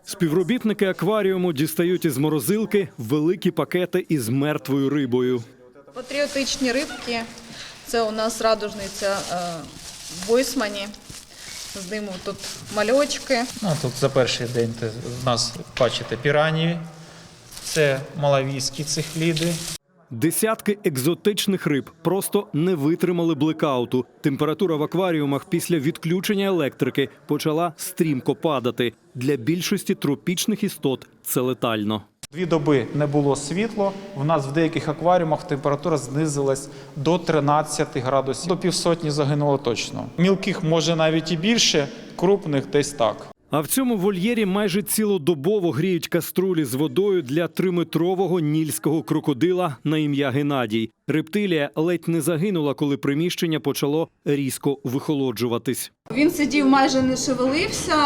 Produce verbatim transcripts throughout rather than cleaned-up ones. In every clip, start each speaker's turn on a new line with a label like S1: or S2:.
S1: Співробітники акваріуму дістають із морозилки великі пакети із мертвою рибою.
S2: Патріотичні рибки – це у нас радужниця в Бойсмані. З ними тут мальочки.
S3: Ну, тут за перший день в нас, бачите, піранії, це малавійські цихліди.
S1: Десятки екзотичних риб просто не витримали блекауту. Температура в акваріумах після відключення електрики почала стрімко падати. Для більшості тропічних істот це летально.
S3: Дві доби не було світла. У нас в деяких акваріумах температура знизилась до тринадцяти градусів. До півсотні загинуло точно. Мілких може навіть і більше, крупних десь так.
S1: А в цьому вольєрі майже цілодобово гріють каструлі з водою для триметрового нільського крокодила на ім'я Геннадій. Рептилія ледь не загинула, коли приміщення почало різко вихолоджуватись.
S2: Він сидів, майже не шевелився,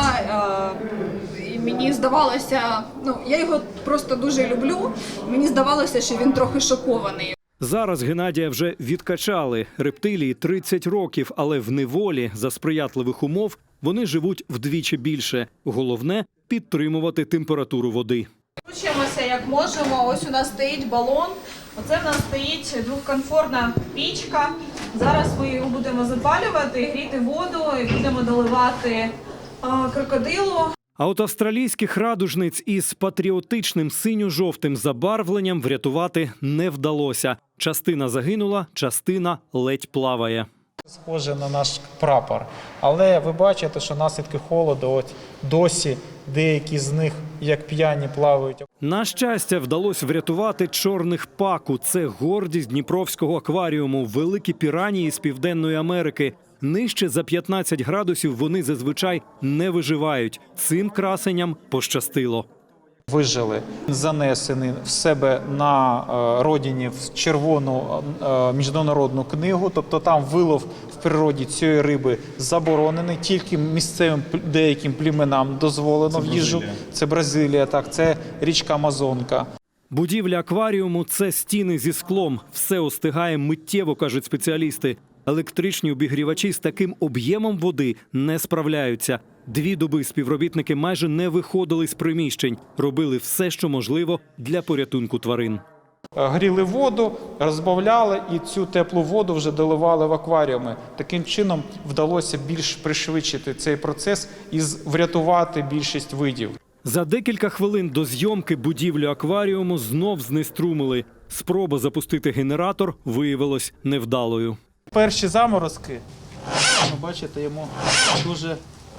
S2: і мені здавалося, ну, я його просто дуже люблю, мені здавалося, що він трохи шокований.
S1: Зараз Геннадія вже відкачали. Рептилії тридцять років, але в неволі за сприятливих умов вони живуть вдвічі більше. Головне – підтримувати температуру води.
S2: Вчимося як можемо. Ось у нас стоїть балон. Оце в нас стоїть двохконфорна пічка. Зараз ми його будемо запалювати, гріти воду і будемо доливати а, крокодилу.
S1: А от австралійських радужниць із патріотичним синьо-жовтим забарвленням врятувати не вдалося. Частина загинула, частина ледь плаває.
S3: Схоже на наш прапор. Але ви бачите, що наслідки холоду, от досі деякі з них, як п'яні, плавають.
S1: На щастя, вдалося врятувати чорних паку. Це гордість Дніпровського акваріуму, великі піранії з Південної Америки. Нижче за п'ятнадцять градусів вони зазвичай не виживають. Цим красенням пощастило.
S3: Вижили, занесені в себе на е, родині в червону е, міжнародну книгу, тобто там вилов в природі цієї риби заборонений, тільки місцевим деяким племенам дозволено в їжу. Це Бразилія, так, це річка Амазонка.
S1: Будівля акваріуму – це стіни зі склом. Все остигає миттєво, кажуть спеціалісти. Електричні обігрівачі з таким об'ємом води не справляються. Дві доби співробітники майже не виходили з приміщень. Робили все, що можливо для порятунку тварин.
S3: Гріли воду, розбавляли і цю теплу воду вже доливали в акваріуми. Таким чином вдалося більш пришвидшити цей процес і врятувати більшість видів.
S1: За декілька хвилин до зйомки будівлю акваріуму знов знеструмили. Спроба запустити генератор виявилась невдалою.
S3: Перші заморозки, ви бачите, йому дуже,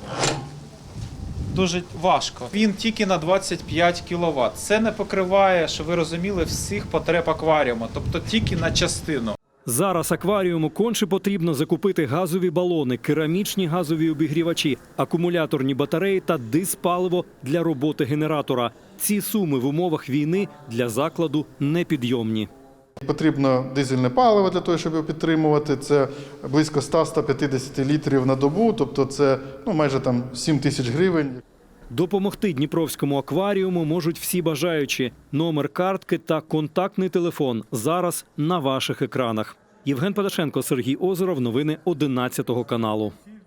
S3: дуже важко. Він тільки на двадцять п'ять кіловат. Це не покриває, щоб ви розуміли, всіх потреб акваріуму, тобто тільки на частину.
S1: Зараз акваріуму конче потрібно закупити газові балони, керамічні газові обігрівачі, акумуляторні батареї та диспаливо для роботи генератора. Ці суми в умовах війни для закладу непідйомні.
S4: Потрібно дизельне паливо для того, щоб його підтримувати. Це близько ста - ста п'ятдесят літрів на добу, тобто це ну, майже там сім тисяч гривень.
S1: Допомогти Дніпровському акваріуму можуть всі бажаючі. Номер картки та контактний телефон зараз на ваших екранах. Євген Падашенко, Сергій Озеров. Новини одинадцятого каналу.